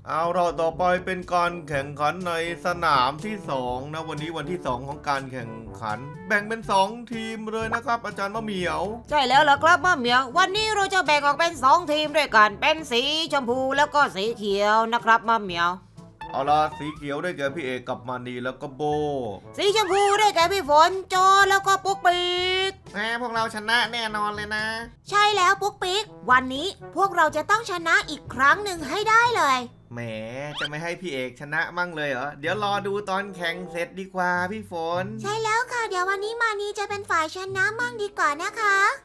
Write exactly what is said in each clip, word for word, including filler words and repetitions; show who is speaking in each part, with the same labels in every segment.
Speaker 1: เอาเราต่อไปเป็นการแข่งขันในสนามที่สองนะวันนี้วันที่สองของการแข่งขัน แบ่งเป็นสองทีมเลยนะครับอาจารย์มะเหมียว
Speaker 2: ใช่แล้วล่ะครับมะเหมียววันนี้เราจะแบ่งออกเป็นสองทีมด้วยกันเป็นสีชมพูแล้วก็สีเขียวนะครับมะเหมียว
Speaker 1: เอาล่ะสีเขียวได้แก่พี่เอกกับมานีแล้วก็โบ
Speaker 2: สีชมพูได้แก่พี่ฝนโจแล้วก็ปุ๊กปิ๊ก
Speaker 1: แหมพวกเราชนะแน่นอนเลยนะ
Speaker 2: ใช่แล้วปุ๊กปิ๊กวันนี้พวกเราจะต้องชนะอีกครั้งหนึ่งให้ได้เลย
Speaker 1: แหมจะไม่ให้พี่เอกชนะมั่งเลยเหรอเดี๋ยวรอดูตอนแข่งเสร็จดีกว่าพี่ฝน
Speaker 2: ใช่แล้วค่ะเดี๋ยววันนี้มานีจะเป็นฝ่ายชนะมั่งดีกว่านะคะ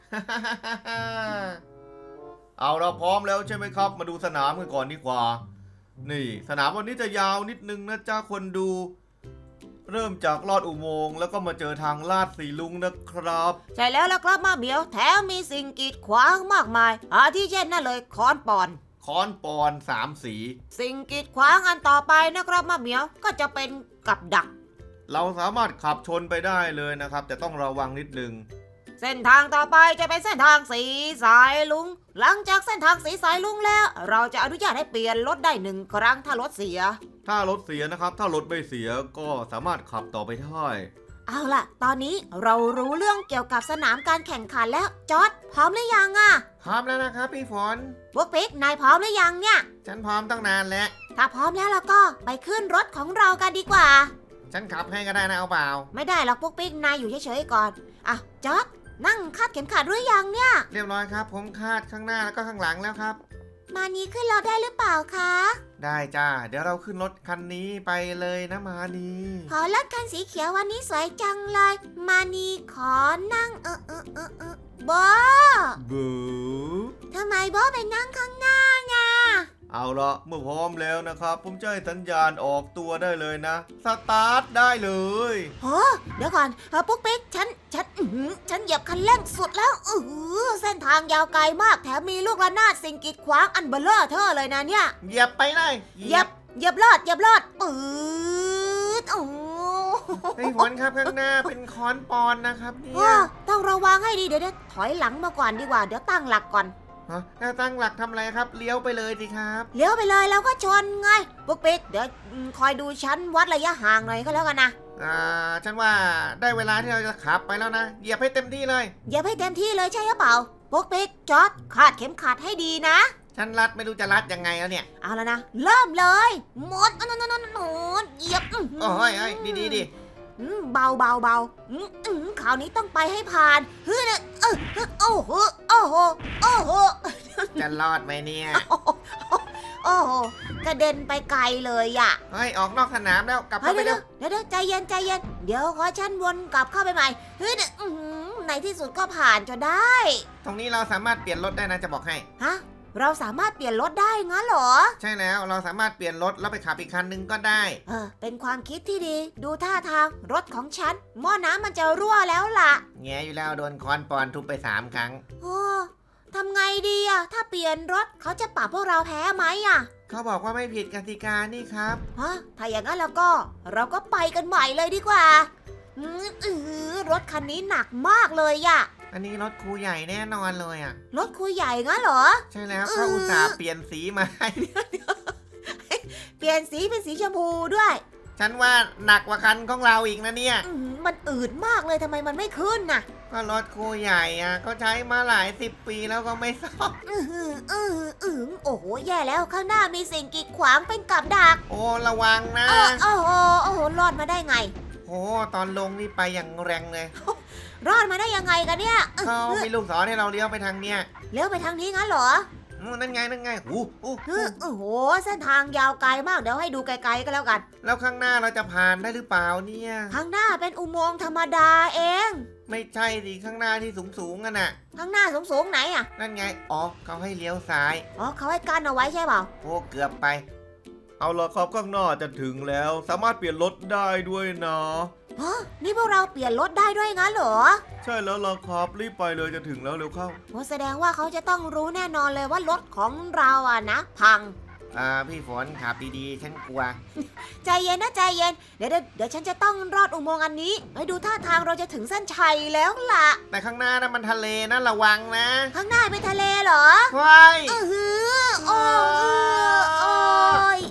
Speaker 1: เอาเราพร้อมแล้วใช่ไหมครับมาดูสนามกันก่อนดีกว่านี่สนามวันนี้จะยาวนิดนึงนะจ้าคนดูเริ่มจากลอดอุโมงค์แล้วก็มาเจอทางลาดสีลุงนะครับ
Speaker 2: ใช่แล้วล่ะครับมาเหมียวแถมมีสิ่งกีดขวางมากมายอาทิเช่นนั่นเลยค้อนปอน
Speaker 1: ค้อนปอนสามสี
Speaker 2: สิ่งกีดขวางอันต่อไปนะครับมาเหมียวก็จะเป็นกับดัก
Speaker 1: เราสามารถขับชนไปได้เลยนะครับแต่ต้องระวังนิดนึง
Speaker 2: เส้นทางต่อไปจะเป็นเส้นทางสีสายลุงหลังจากเส้นทางสีสายลุงแล้วเราจะอนุญาตให้เปลี่ยนรถได้หนึ่งครั้งถ้ารถเสีย
Speaker 1: ถ้ารถเสียนะครับถ้ารถไม่เสียก็สามารถขับต่อไปได้
Speaker 2: เอาล่ะตอนนี้เรารู้เรื่องเกี่ยวกับสนามการแข่งขันแล้วจอร์จพร้อมหรือยังอ่ะ
Speaker 1: พร้อมแล้วนะครับพี่ฝน
Speaker 2: พวกปิ๊กนายพร้อมหรือยังเนี่ย
Speaker 1: ฉันพร้อมตั้งนานแล้ว
Speaker 2: ถ้าพร้อมแล้วเราก็ไปขึ้นรถของเรากันดีกว่า
Speaker 1: ฉันขับให้ก็ได้นะเอาเปล่า
Speaker 2: ไม่ได้หรอกพวกปิ๊กนายอยู่เฉยๆก่อนอ่ะจอร์จนั่งคาดเข็มขัดหรือยังเนี่ย
Speaker 1: เรียบร้อยครับผมคาดข้างหน้าแล้วก็ข้างหลังแล้วครับ
Speaker 2: มานีขึ้นรถได้หรือเปล่าคะ
Speaker 1: ได้จ้าเดี๋ยวเราขึ้นรถคันนี้ไปเลยนะมานี
Speaker 2: ขอรถคันสีเขียววันนี้สวยจังเลยมานีขอนั่งเออเออเออเออโบ
Speaker 1: โบ
Speaker 2: ทำไมโบไปนั่งข้างหน้าไง
Speaker 1: เอาละเมื่อพร้อมแล้วนะครับผมจะให้สัญญาณออกตัวได้เลยนะสตาร์ทได้เลย
Speaker 2: โอ้เดี๋ยวก่อนเออปุ๊กปิ๊กฉันฉันอือฉันเหยียบคันเร่งสุดแล้วอือเส้นทางยาวไกลมากแถมมีลูกระนาดสิ่งกีดขวางอันเบลอเธอเลยนะเนี่ย
Speaker 1: เหยียบไปเลย
Speaker 2: เหยียบเหยียบลอดเหยียบลอดปื๊ดโอ้
Speaker 1: ไอ้ฝนครับข้างหน้าเป็นค้อนปอนนะครับเนี่ย
Speaker 2: ต้องระวังให้ดีเดี๋ยวถอยหลังมาก่อนดีกว่าเดี๋ยวตั้งหลักก่อน
Speaker 1: ถ้าตั้งหลักทำอะไรครับเลี้ยวไปเลยสิครับ
Speaker 2: เลี้ยวไปเลยแล้วก็ชนไงปุ๊กปิ๊กเดี๋ยวคอยดูฉันวัดระยะห่างหน่อยก็แล้วกันนะ
Speaker 1: อ่าฉันว่าได้เวลาที่เราจะขับไปแล้วนะเหยียบให้เต็มที่เลย
Speaker 2: เหยียบให้เต็มที่เลยใช่หรือเปล่าปุ๊กปิ๊กจอดคาดเข็มขัดให้ดีนะ
Speaker 1: ฉันรัดไม่รู้จะรัดยังไงแล้วเนี่ย
Speaker 2: เอาแล้วนะเริ่มเลยหมดนนนนนเหยียบ
Speaker 1: โอ้ยโอ้ยดีดีดี
Speaker 2: เบาเบาเบาคราวนี้ต้องไปให้ผ่านเฮ้ยเออโอ้โหโอ้โหโอ้โห
Speaker 1: จะรอดไหมเนี่ย
Speaker 2: โอ้โหกระเด็นไปไกลเลยอ่ะ
Speaker 1: เฮ้ยออกนอกสนามแล้วกลับเข้าไปเร็ว
Speaker 2: เดี๋ยวใจเย็นใจเย็นเดี๋ยวขอฉันวนกลับเข้าไปใหม่เฮ้ยในที่สุดก็ผ่านจนได้
Speaker 1: ตรงนี้เราสามารถเปลี่ยนรถได้นะจะบอกให้
Speaker 2: ฮะเราสามารถเปลี่ยนรถได้งั้นเหรอ
Speaker 1: ใช่แล้วเราสามารถเปลี่ยนรถแล้วไปขับอีกคันนึงก็ได้
Speaker 2: เออเป็นความคิดที่ดีดูท่าทางรถของฉันหม้อน้ำมันจะรั่วแล้วล่ะ
Speaker 1: แง่อยู่แล้วโดนค้อนปอนทุบไปสามครั้ง
Speaker 2: โอ้ทำไงดีอะถ้าเปลี่ยนรถเขาจะปรับพวกเราแพ้ไหมอะ
Speaker 1: เขาบอกว่าไม่ผิดกติกานี่ครับ
Speaker 2: ฮะถ้าอย่างนั้นแล้วก็เราก็ไปกันใหม่เลยดีกว่าอือรถคันนี้หนักมากเลยอะ
Speaker 1: อันนี้รถครูใหญ่แน่นอนเลยอ่ะ
Speaker 2: รถครูใหญ่งั้นเหรอ
Speaker 1: ใช่แล้วเขาอุตส่าห์เปลี่ยนสีมาให้
Speaker 2: เปลี่ยนสีเป็นสีชมพูด้วย
Speaker 1: ฉันว่าหนักกว่าคันของเราอีกนะเนี่ย
Speaker 2: มันอืดมากเลยทำไมมันไม่ขึ้นน่ะ
Speaker 1: ก็รถครูใหญ่อ่ะก็ใช้มาหลายสิบปีแล้วก็ไม่ซ่อม
Speaker 2: อืออืออือโอ้โหแย่แล้วข้างหน้ามีสิ่งกีดขวางเป็นกับดัก
Speaker 1: โอ้ระวังนะ
Speaker 2: โอ้โหโอ้โหรอดมาได้ไง
Speaker 1: โอ้ตอนลงนี่ไปอย่างแรงเลย
Speaker 2: รอดมาได้ยังไงกันเนี่ย
Speaker 1: เขามีลูกศรให้เราเลี้ยวไปทางเนี้ย
Speaker 2: เลี้ยวไปทางนี้งั้นเหรอ
Speaker 1: นั่นไงนั่นไงโอ้โห
Speaker 2: โอ้โหเส้นทางยาวไกลมากเดี๋ยวให้ดูไกลๆก็แล้วกัน
Speaker 1: แล้วข้างหน้าเราจะผ่านได้หรือเปล่าเนี่ย
Speaker 2: ข้างหน้าเป็นอุโมงค์ธรรมดาเอง
Speaker 1: ไม่ใช่สิข้างหน้าที่สูงสูงกันน่ะ
Speaker 2: ข้างหน้าสูงสูงไหนอ่ะ
Speaker 1: นั่นไงอ๋อเขาให้เลี้ยวซ้าย
Speaker 2: อ๋อเขาให้กั้นเอาไว้ใช่เปล่า
Speaker 1: โอ้เกือบไปเอาละครับข้างหน้าจะถึงแล้วสามารถเปลี่ยนรถได้ด้วยนะ
Speaker 2: ฮะนี่พวกเราเปลี่ยนรถได้ด้วยงั้นเหรอ
Speaker 1: ใช่แล้วล่ะครับรีบไปเลยจะถึงแล้วเร็วเข้า
Speaker 2: โอ้แสดงว่าเขาจะต้องรู้แน่นอนเลยว่ารถของเราอ่ะนะพัง
Speaker 1: อ่าพี่ฝนขับดีๆฉันกลัว
Speaker 2: ใจเย็นนะใจเย็นเดี๋ยวเดี๋ยวฉันจะต้องรอดอุโมงค์อันนี้ให้ดูท่าทางเราจะถึงเส้นชัยแล้วล่ะ
Speaker 1: แต่ข้างหน้านั้นมันทะเลนะระวังนะ
Speaker 2: ข้างหน้าเป็นทะเลเหรอ
Speaker 1: ใช่
Speaker 2: เออโอ้ยโอ้ย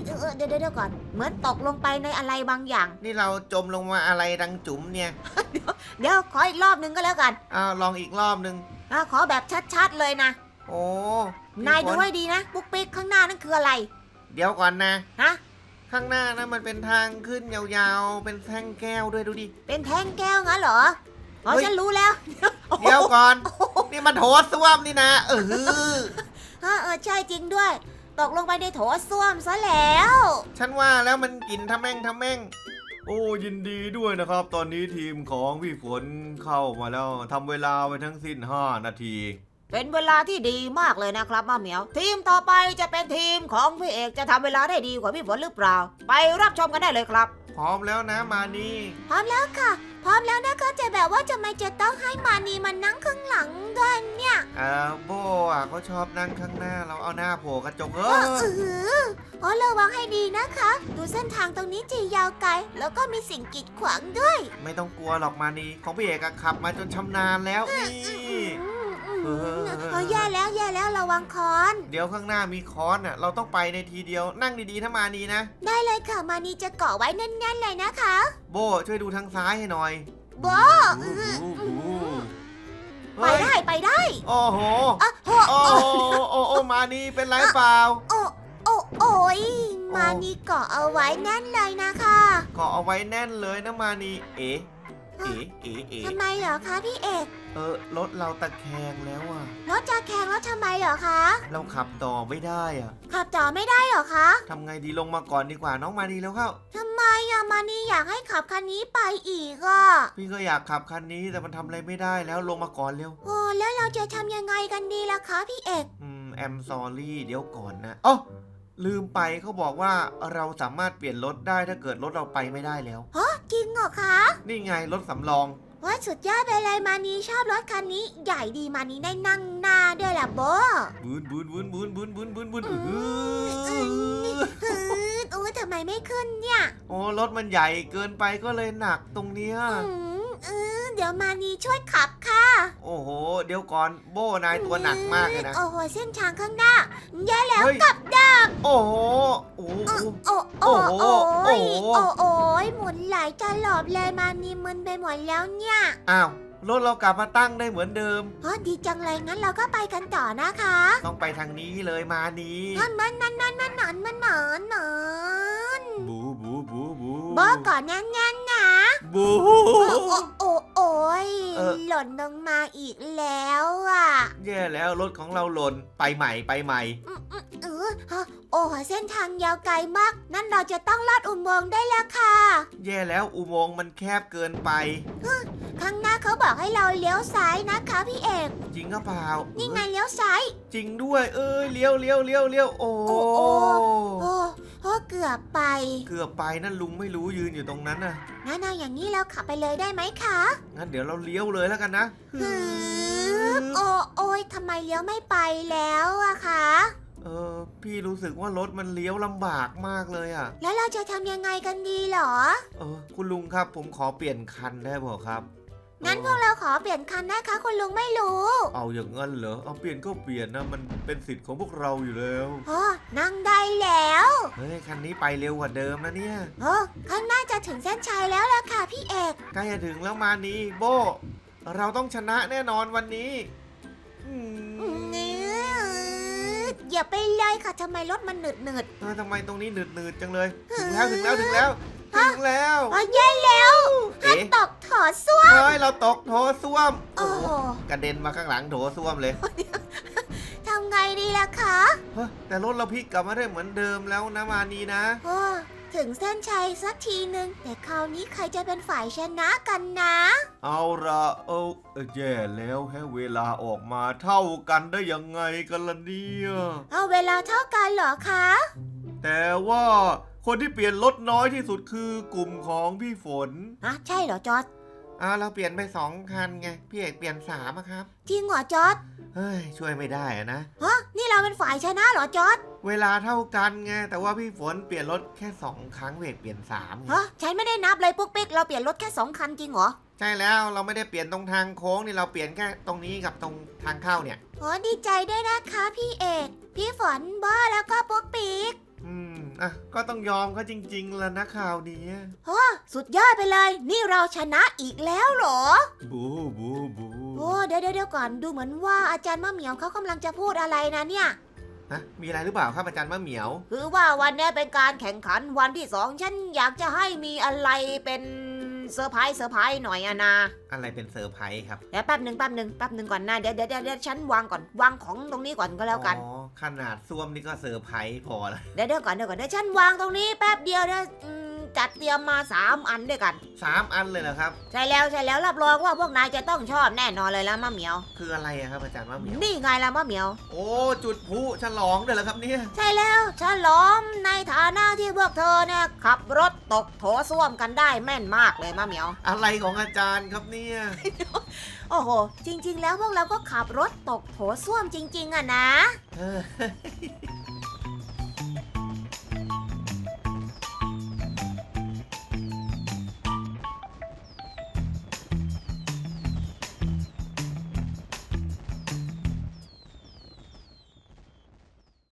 Speaker 2: ดี๋ยวเดี๋ยวก่อนเหมือนตกลงไปในอะไรบางอย่าง
Speaker 1: นี่เราจมลงมาอะไรดังจุ๋มเนี่ย
Speaker 2: เดี๋ยวขออีกรอบนึงก็แล้วกัน
Speaker 1: อ้าวลองอีกรอบหนึ่ง
Speaker 2: อ่ะขอแบบชัดๆเลยนะ
Speaker 1: โอ้พี่
Speaker 2: นาย
Speaker 1: ฝ
Speaker 2: ดูให้ดีนะปุ๊กปิ๊กข้างหน้านั่นคืออะไร
Speaker 1: เดี๋ยวก่อนนะ
Speaker 2: ฮะ
Speaker 1: ข้างหน้านะมันเป็นทางขึ้นยาวๆ เป็นแท่งแก้วด้วยดูดิ
Speaker 2: เป็นแท่งแก้วงั้นเหรออ๋อ
Speaker 1: เฮ้ย
Speaker 2: ฉันรู้แล้ว
Speaker 1: เดี๋ยวก่อน นี่มันโถส้วมนี่นะ เออ
Speaker 2: ฮะเออใช่จริงด้วย ตกลงไปในโถส้วมซะแล้ว
Speaker 1: ฉันว่าแล้วมันกลิ่นทะแม่งทะแม่ง โอ้ยินดีด้วยนะครับ ตอนนี้ทีมของพี่ฝนเข้ามาแล้วทำเวลาไปทั้งสิ้นห้านาที
Speaker 2: เป็นเวลาที่ดีมากเลยนะครับมาเหมียว ทีมต่อไปจะเป็นทีมของพี่เอกจะทำเวลาได้ดีกว่าพี่ฝนหรือเปล่า ไปรับชมกันได้เลยครับ
Speaker 1: พร้อมแล้วนะมานี่
Speaker 2: พร้อมแล้วค่ะ พร้อมแล้วนะคะจะแบบว่าจะไม่จะต้องให้มานีมานั่งข้างหลังด้วยเนี่ย
Speaker 1: เออโบอ่ะเขาชอบนั่งข้างหน้าเราเอาหน้าโผล่กระจกเอ
Speaker 2: เออ
Speaker 1: อ
Speaker 2: เอออ๋อระวังให้ดีนะคะ ดูเส้นทางตรงนี้จียาวไกล แล้วก็มีสิ่งกีดขวางด้วย
Speaker 1: ไม่ต้องกลัวหรอกมานี่ของพี่เอกอะขับมาจนชำนาญแล้วนี่
Speaker 2: อืมอืม
Speaker 1: เออ
Speaker 2: เออแย่แล้วแย่แล้วระวังคอน
Speaker 1: เดี๋ยวข้างหน้ามีค้อนอ่ะ เราต้องไปในทีเดียวนั่งดีๆถ้ามานีนะ
Speaker 2: ได้เลยค่ะมานีจะเกาะไว้แน่นๆเลยนะคะ
Speaker 1: โบช่วยดูทางซ้ายให้หน่อย
Speaker 2: โบ
Speaker 1: โอ้โห
Speaker 2: ไป
Speaker 1: เฮ้ย
Speaker 2: ได้ไปได้
Speaker 1: โอ้โห
Speaker 2: อ่ะโห
Speaker 1: โอ้โหโอ้โหมานีเป็นไรเปล่า
Speaker 2: โอ้โอ้โอ้ยมานีเกาะเอาไว้แน่นเลยนะคะ
Speaker 1: เกาะเอาไว้แน่นเลยนะมานีเอ๋เอ๋เอ๋เอ๋
Speaker 2: ทำไมเหรอคะพี่เอก
Speaker 1: เออรถเราตะแคงแล้วอ่ะ
Speaker 2: รถจะแข่งแล้วทำไมเหรอคะ
Speaker 1: เราขับต่อไม่ได้อ่ะ
Speaker 2: ขับต่อไม่ได้เหรอคะ
Speaker 1: ทำไงดีลงมาก่อนดีกว่าน้องมานีแล้วเข้า
Speaker 2: ทำไมอะมานีอยากให้ขับคันนี้ไปอีกอ่ะ
Speaker 1: พี่ก็อยากขับคันนี้แต่มันทำอะไรไม่ได้แล้วลงมาก่อนเร็ว
Speaker 2: โอ้แล้วเราจะทำยังไงกันดีล่ะคะพี่เอก
Speaker 1: อืมแอมซอรี่เดี๋ยวก่อนนะอ๋อลืมไปเขาบอกว่าเราสามารถเปลี่ยนรถได้ถ้าเกิดรถเราไปไม่ได้แล้ว
Speaker 2: ฮะจริงเหรอคะ
Speaker 1: นี่ไงรถสำรอง
Speaker 2: ว่าสุดยอดไปเลยมานีชอบรถคันนี้ ใหญ่ดีมานีได้นั่งหน้าด้วยล่ะโบ
Speaker 1: บูนบูนบูนบูนบูนบูนบูนบูน
Speaker 2: อื
Speaker 1: อื้อ
Speaker 2: ม
Speaker 1: หือ
Speaker 2: ฮืดอู้ทำไมไม่ขึ้นเนี่ย
Speaker 1: โอ้รถมันใหญ่เกินไปก็เลยหนักตรงเนี้ย
Speaker 2: อืมเออเดี๋ยวมานีช่วยขับค่ะ
Speaker 1: โอ้โห เดี๋ยวก่อนโบ้นายตัวหนักมากเลยนะ
Speaker 2: โอ้โหเส้นทางข้างหน้าแย่แล้ว
Speaker 1: เฮ้ย
Speaker 2: กับดัก
Speaker 1: โอ้โหโอ้โห
Speaker 2: โอ้โอ้โอ้
Speaker 1: โอ้
Speaker 2: ย
Speaker 1: โห
Speaker 2: โอ้โอ้ยหมุนหลายตลบเลยมานีมึนไปหมดแล้วเนี่ย
Speaker 1: อ้าวรถเรากลับมาตั้งได้เหมือนเดิม
Speaker 2: เฮ้ยดีจังเลยงั้นเราก็ไปกันต่อนะคะ
Speaker 1: ต้องไปทางนี้เลยมานี้
Speaker 2: นั่นมันนั่นนั่นนั่นนั่นมันหนอนหนอน
Speaker 1: บูบูบูบู
Speaker 2: บอกก่อนแน่นๆนะ
Speaker 1: บู
Speaker 2: โอ้โอ้โอ้โอ้ย
Speaker 1: เออ
Speaker 2: หล่นลงมาอีกแล้วอ่ะ
Speaker 1: แย่แล้วรถของเราหล่นไปใหม่ไปใหม่
Speaker 2: อืมอืมเออฮะโอ้โหเส้นทางยาวไกลมาก นั่นเราจะต้องลอดอุโมงค์ได้แล้วค่ะ
Speaker 1: แย่แล้วอุโมงค์มันแคบเกินไป
Speaker 2: ข้างหน้าเขาบอกให้เราเลี้ยวซ้ายนะคะพี่เอก
Speaker 1: จริงหรือเปล่า
Speaker 2: นี่ไง
Speaker 1: เอ้ย
Speaker 2: เลี้ยวซ้าย
Speaker 1: จริงด้วย เอ้ยเลี้ยวเลี้ยวเลี้ยวเลี้ยวโอ้
Speaker 2: โอ้โอ้ โอ้โอ้เกือบไป
Speaker 1: เกือบไปนั่นลุงไม่รู้ยืนอยู่ตรงนั้นน่ะ
Speaker 2: งั้นเอาอย่างนี้เราขับไปเลยได้ไหมคะ
Speaker 1: งั้นเดี๋ยวเราเลี้ยวเลยแล้วกันนะ
Speaker 2: ฮึบโอ้โอ้ยทำไมเลี้ยวไม่ไปแล้วอะคะ
Speaker 1: เออพี่รู้สึกว่ารถมันเลี้ยวลำบากมากเลยอ่ะ
Speaker 2: แล้วเราจะทำยังไงกันดีเหรอ
Speaker 1: เออคุณลุงครับผมขอเปลี่ยนคันได้เปล่าครับ
Speaker 2: งั้นพวกเราขอเปลี่ยนคันนะคะคุณลุงไม่รู้
Speaker 1: เอาอย่างงั้นเหรอเอาเปลี่ยนก็เปลี่ยนนะมันเป็นสิทธิ์ของพวกเราอยู่แล้ว
Speaker 2: โอ้นั่งได้แล้ว
Speaker 1: เฮ้ยคันนี้ไปเร็วกว่าเดิมนะเนี่ย
Speaker 2: โอ้ข้างหน้าจะถึงเส้นชัยแล้วล่ะค่ะพี่เอก
Speaker 1: ใกล้จะถึงแล้วมานี้โบเราต้องชนะแน่นอนวันนี้อืม
Speaker 2: อย่าไปเลยค่ะทำไมรถมันหนืดหนืด
Speaker 1: เออทำไมตรงนี้หนืดๆจังเลย ถึงแล้วถึงแล้วถึงแล้วถึงแล้ว
Speaker 2: อ๋อแย่แล้ว
Speaker 1: เอ๊ะ
Speaker 2: ตกถอดส้วม
Speaker 1: เฮ้ยเราตกโถส้วม
Speaker 2: โอ้โห
Speaker 1: กระเด็นมาข้างหลังโถส้วมเลย
Speaker 2: ทำไงดีล่ะคะ
Speaker 1: เฮ้ยแต่รถเราพลิกกลับมาได้เหมือนเดิมแล้วนะมานีนะ
Speaker 2: โอ้ถึงเส้นชัยสักทีหนึ่งแต่คราวนี้ใครจะเป็นฝ่ายชนะกันนะ
Speaker 1: เอาละเอาเอ้ยแย่แล้วแค่เวลาออกมาเท่ากันได้ยังไงกันล่ะเนี่ย
Speaker 2: เอาเวลาเท่ากันเหรอคะ
Speaker 1: แต่ว่าคนที่เปลี่ยนรถน้อยที่สุดคือกลุ่มของพี่ฝน
Speaker 2: อะใช่เหรอจอร์ด
Speaker 1: อ่าเราเปลี่ยนไปสองคันไงพี่เอกเปลี่ยนสามอะครับ
Speaker 2: จริงเหรอจอร์ด
Speaker 1: เฮ้ยช่วยไม่ได้อะนะ
Speaker 2: ฮะนี่เราเป็นฝ่ายชนะเหรอจอร์ด
Speaker 1: เวลาเท่ากันไงแต่ว่าพี่ฝนเปลี่ยนรถแค่สองครั้งพี่เอกเปลี่ยนสามไง
Speaker 2: ฮะฉันไม่ได้นับเลยปุ๊กปิ๊กเราเปลี่ยนรถแค่สองคันจริงเหรอ
Speaker 1: ใช่แล้วเราไม่ได้เปลี่ยนตรงทางโค้งนี่เราเปลี่ยนแค่ตรงนี้กับตรงทางเข้าเนี่ย
Speaker 2: โอ้ดีใจด้วยนะคะพี่เอก พี่ฝนบ้าแล้วก็ปุ๊กปิ๊ก
Speaker 1: อืมอ่ะก็ต้องยอมเขาจริงๆแล้วนะข่าวนี้
Speaker 2: สุดยอดไปเลย นี่เราชนะอีกแล้วเหรอ
Speaker 1: บูบูบู
Speaker 2: โอ้เดี๋ยวเดี๋ยวก่อนดูเหมือนว่าอาจารย์มะเหมียวเขากำลังจะพูดอะไรนะเนี่ย
Speaker 1: ฮะมีอะไรหรือเปล่าครับอาจารย์มะเหมียว
Speaker 2: คือว่าวันนี้เป็นการแข่งขันวันที่สองฉันอยากจะให้มีอะไรเป็นเซอร์ไพรส์เซอร์ไพรส์หน่อยอะนะ
Speaker 1: อะไรเป็นเซอร์ไพรส์ครับ
Speaker 2: เดี๋ยวแป๊บหนึ่งแป๊บหนึ่งแป๊บหนึ่งก่อนนะเดี๋ยวเดี๋ยวเดี๋ยวฉันวางก่อนวางของตรงนี้ก่อนก็แล้วกัน
Speaker 1: อ๋อขนาดซ่วมนี่ก็เซอร์ไพรส์พอละ
Speaker 2: เดี๋ยวเดี๋ยวก่อนเดี๋ยวก่อนเดี๋ยวฉันวางตรงนี้แป๊บเดียวเดี๋ยวอืมจัดเตรียมมาสามอันด้วยกัน
Speaker 1: สามอันเลยเหรอครับ
Speaker 2: ใช่แล้วใช่แล้วรับรองว่าพวกนายจะต้องชอบแน่นอนเลยละมะเหมียว
Speaker 1: คืออะไรอะครับอาจารย์มะเหมียว
Speaker 2: นี่ไงละมะเหมียว
Speaker 1: โอ้จุดพลุฉลองด้วยเหรอครับเนี่ย
Speaker 2: ใช่แล้วฉลองในฐานะที่พวกเธอเนี่ยขับรถตกโถส้วมกันได้แม่นมากเลยมะเหมียว
Speaker 1: อะไรของอาจารย์ครับเนี่ย
Speaker 2: โอ้โห จริง ๆ แล้วพวกเราก็ขับรถตกโถส้วมจริง ๆอะนะ
Speaker 1: เออ